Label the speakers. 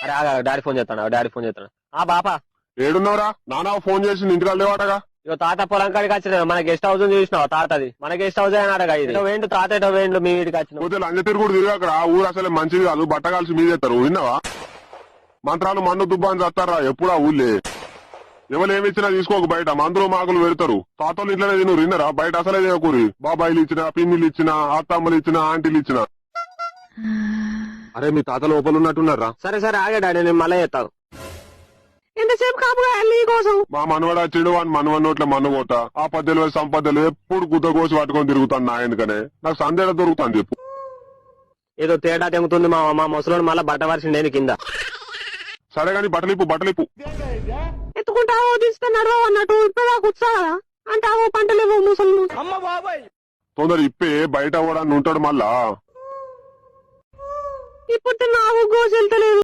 Speaker 1: అరే ఆగా daddy phone చేస్తాడు ఆ బాపా
Speaker 2: ఏడున్నావురా? నానా ఫోన్ చేసి ఇంటికి లేవాటగా.
Speaker 1: ఇక తాత పొలం కాడికి వచ్చిన మన గెస్ట్ హౌస్ చూసినావు తాతది మన గెస్ట్ హౌస్ అని అడగా ఇది వేండు తాత ఎటో వేండు మీ వీడికి వచ్చిన
Speaker 2: పోతే లంజ తిరుగుడు తిరిగి అక్కడ ఆ ఊరు అసలే మంచిది కాదు. బట్ట కాల్సి మీదేస్తారు. విన్నావా? మంత్రాలు మన్ను దుబ్బాని చేస్తారా ఎప్పుడా ఊళ్ళే. ఎవరు ఏమిచ్చినా తీసుకోకు, బయట మందులు మాకులు పెడతారు. తాతలు ఇంట్లోనే తిను. విన్నరా? బయట అసలే తినకూరి. బాబాయిలు ఇచ్చిన, పిన్నిలు ఇచ్చిన, అత్తమ్మలు ఇచ్చిన, ఆంటీలు ఇచ్చిన. అరే మీ తాత లోపల ఉన్నట్టున్నారా?
Speaker 1: సరే సరే ఆగా డాడీ నేను మళ్ళీ చేస్తాను ఎంతసేపు కాపుగా నీ కోసం
Speaker 2: మా మనవడు వచ్చిండు అని మనవడి నోట్ల మన్ను పోతా. ఆ పద్దెలు సంపదలు ఎప్పుడు గుద్ద కోసి పట్టుకొని తిరుగుతాను నా ఎందుకనే. నాకు సందేహ దొరుకుతాను చెప్పు.
Speaker 1: ఏదో తేడా తెంగుతుంది మా ముసలోడు మళ్ళీ బట్ట వరిసిండే కింద.
Speaker 2: సరే గాని బట్టలిప్పు
Speaker 1: ఎత్తుకుంటావో తీస్తున్నారో అన్నట్టు ఇప్పుడు కూర్చోదా అంటావో పంటలేవో ముసలు
Speaker 2: తొందర ఇప్పే బయట కూడా ఉంటాడు మళ్ళా.
Speaker 1: ఇప్పుడు నాకు గోసెళ్తలేదు.